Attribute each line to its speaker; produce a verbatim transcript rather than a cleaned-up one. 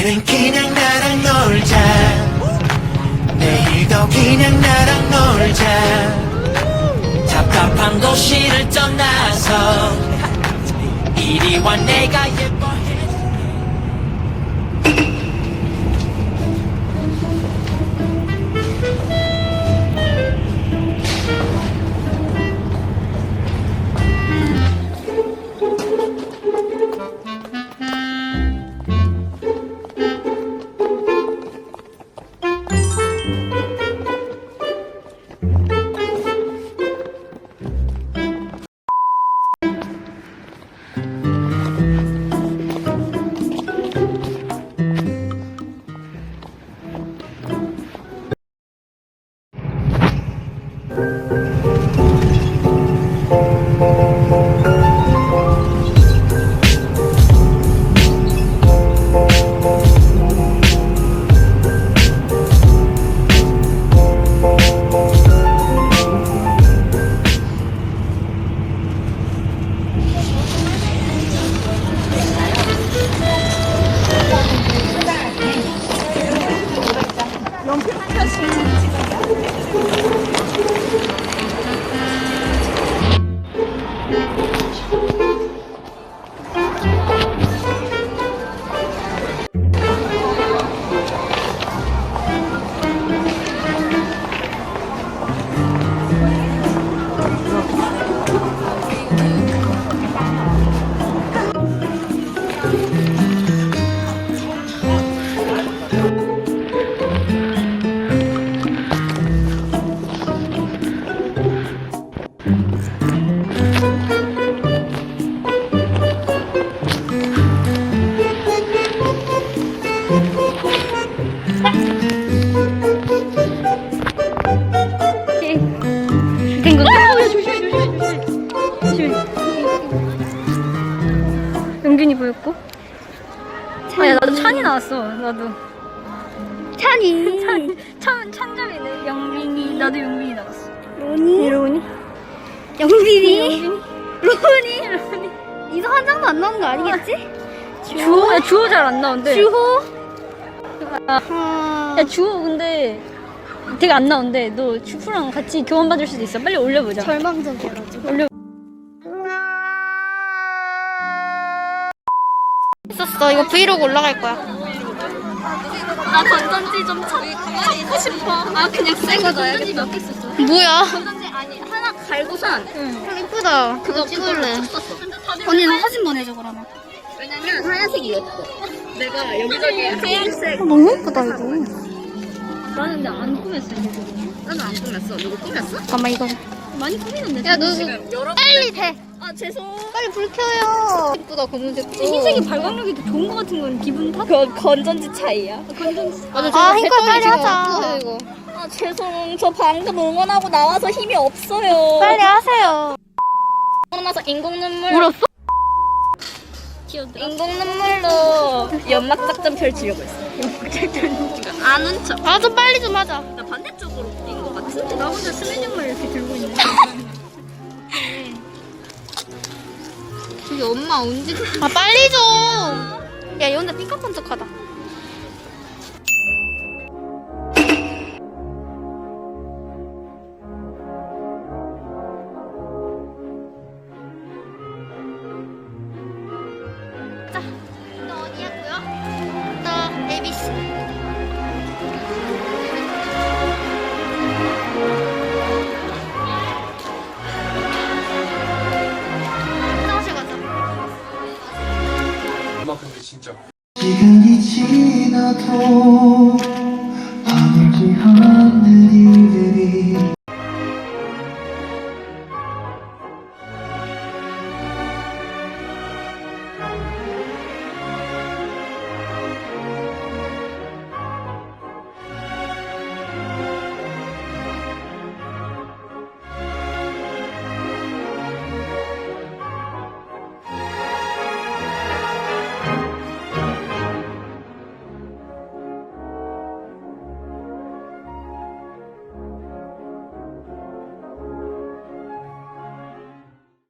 Speaker 1: 오늘은 그냥 나랑 놀자. 내일도 그냥 나랑 놀자. 답답한 도시를 떠나서 이리 와 내가 예뻐해.
Speaker 2: 된 건가? 어, 야, 조심해, 조심해, 조심해. 조심해. 영균이 보였고. 아, 야, 나도 찬이 나왔어. 나도.
Speaker 3: 찬이.
Speaker 2: 찬, 찬, 찬점이네. 영빈이, 나도 영빈이 나왔어.
Speaker 3: 로니.
Speaker 2: 로니?
Speaker 3: 영빈이.
Speaker 2: 로니? 로니?
Speaker 3: 이서 한 장도 안 나오는 거 아니겠지?
Speaker 2: 주호? 야, 주호 잘 안 나오는데.
Speaker 3: 주호.
Speaker 2: 아,
Speaker 3: 아.
Speaker 2: 야, 주호 근데 되게 안 나오는데 너 주프랑 같이 교환 받을 수도 있어. 빨리 올려보자.
Speaker 3: 절망적이어가지고.
Speaker 2: 올려.
Speaker 3: 있었어. 이거 브이로그 올라갈 거야.
Speaker 2: 나 건전지 좀 찾고 싶어. 아, 그냥 새 거 넣어야겠다. 몇 개 있었어?
Speaker 3: 뭐야?
Speaker 2: 건전지 아니, 하나 갈고선. 응.
Speaker 3: 이쁘다. 그거 찍을래. 언니는 사진 보내줘 그러면.
Speaker 2: 왜냐면 하얀색이 예뻐. 내가 여기저기 하얀색.
Speaker 3: 아, 너무 예쁘다 이거.
Speaker 2: 나는 근데 안 꾸몄어. 나는 안 꾸몄어. 누구 꾸몄어?
Speaker 3: 잠깐만 이거.
Speaker 2: 많이 꾸미는데.
Speaker 3: 야 너 이거 빨리 돼.
Speaker 2: 아, 죄송.
Speaker 3: 빨리 불 켜요. 예쁘다 검은색도.
Speaker 2: 흰색이 발광력이 더 좋은 것 같은 건 기분 탓? 그 건전지 차이야. 건전지.
Speaker 3: 아 흰걸 빨리 하자. 이거.
Speaker 2: 아, 죄송. 저 방금 응원하고 나와서 힘이 없어요.
Speaker 3: 빨리 하세요.
Speaker 2: 그러고 나서 인공 눈물.
Speaker 3: 울었어?
Speaker 2: 인공 눈물로 연막 작전 펼치려고 했어. 연막 작전. 안 훔쳐.
Speaker 3: 아 좀 빨리 좀 하자.
Speaker 2: 나 반대쪽으로 뛴 것 같은데. 나 혼자 스메뉴만 이렇게 들고 있네.
Speaker 3: 저기 엄마 언제? 아 빨리 좀. 야 얘 혼자 삐까뻔쩍하다. 자, 너 어디 하고요? 너 에이비씨. 화장실 가자.
Speaker 4: 엄마 근데 진짜
Speaker 1: 시간이 지나도 아물지 않는 일들이